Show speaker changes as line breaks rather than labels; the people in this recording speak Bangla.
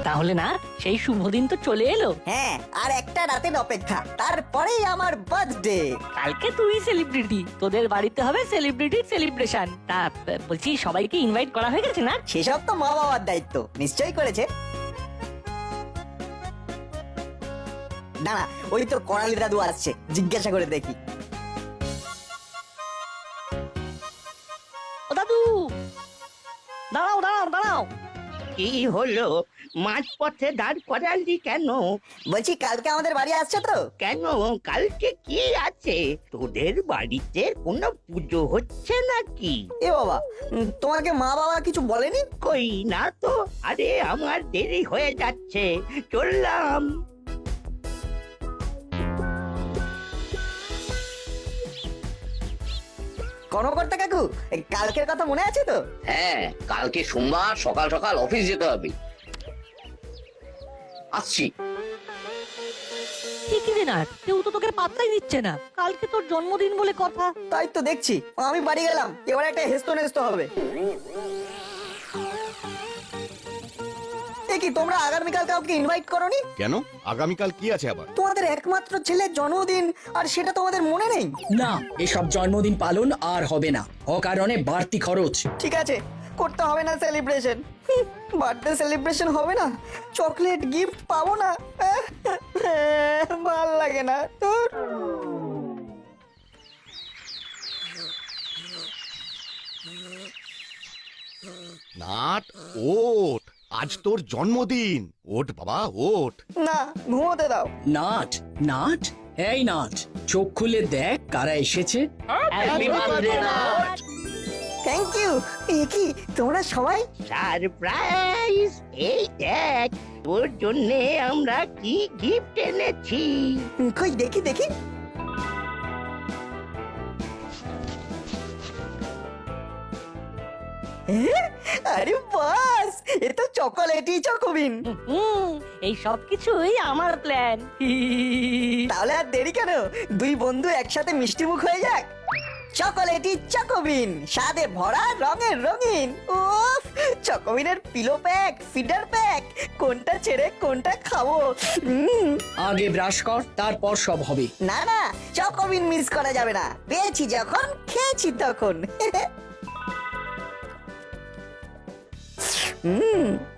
তাহলে না সেই শুভ দিন তো চলে এলো।
হ্যাঁ, আর একটা রাতের অপেক্ষা, তারপরেই আমার বার্থডে।
কালকে তুই সেলিব্রিটি, তোদের বাড়িতে হবে সেলিব্রিটি সেলিব্রেশন। তা বলছি সবাইকে ইনভাইট করা হয়ে গেছে না?
সেসব তো মা বাবার দায়িত্ব, নিশ্চয়ই করেছে। দাঁড়া, ওই তো করালি দাদু আসছে, জিজ্ঞাসা করে দেখি।
ও দাদু, দাঁড়াও দাঁড়াও দাঁড়াও।
কি হলো? মাঝপথে দাঁড় করালি কেন?
বলছি কালকে আমাদের বাড়ি আসছে তো?
কেন, কালকে কি আছে? তোদের বাড়িতে কোনো পুজো হচ্ছে নাকি?
এ বাবা, তোমাকে মা বাবা কিছু বলেনি?
কই না তো। আরে আমার দেরি হয়ে যাচ্ছে, চললাম।
কর্মকর্তা কাকু, কালকের কথা মনে আছে তো?
হ্যাঁ, কালকে সোমবার সকাল সকাল অফিস যেতে হবে। আসছি।
কি রে না, কেউ তো তোকে পাত্তাই দিচ্ছে না। কালকে তোর জন্মদিন বলে কথা।
তাই তো দেখছি, আমি বাড়ি গেলাম, এবার একটা হেস্ত নেস্ত হবে। এ কি, তোমরা আগামীকাল কাউকে ইনভাইট করোনি?
কেন, আগামীকাল কি আছে আবার?
তোমাদের একমাত্র ছেলের জন্মদিন, আর সেটা তোমাদের মনে নেই?
না, এসব জন্মদিন পালন আর হবে না, অকারণে বাড়তি খরচ।
ঠিক আছে, করতে হবে না সেলিব্রেশন। বার্থডে সেলিব্রেশন হবে না, চকলেট গিফট পাবো না, ভাল লাগে না তোর।
নাট, ওঠ, আজ তোর জন্মদিন। ওঠ বাবা, ওঠ।
না, ঘুমোতে দাও।
নাট, নাট, এই নাট, চোখ খুলে দেখ কারা এসেছে।
Happy birthday, নাট।
Thank you. এ কি, তোমরা সবাই?
সারপ্রাইজ! এই দেখ, তোর জন্যে আমরা কি গিফট এনেছি।
কই দেখি দেখি। আরে বাস, এ তো চকোলেটই চকোবিন।
এই সব কিছুই আমার প্ল্যান।
তাহলে আর দেরি কেন, দুই বন্ধু একসাথে মিষ্টি মুখ হয়ে যাক। চকোলেটই চকোবিন, স্বাদে ভরা, রঙের রঙিন। উফ, চকোবিনের পিলো প্যাক, ফিডার প্যাক, কোনটা ছেড়ে কোনটা খাবো।
আগে ব্রাশ কর, তারপর সব হবে।
না না, চকোবিন মিস করা যাবে না, পেয়েছি যখন খেয়েছি তখন।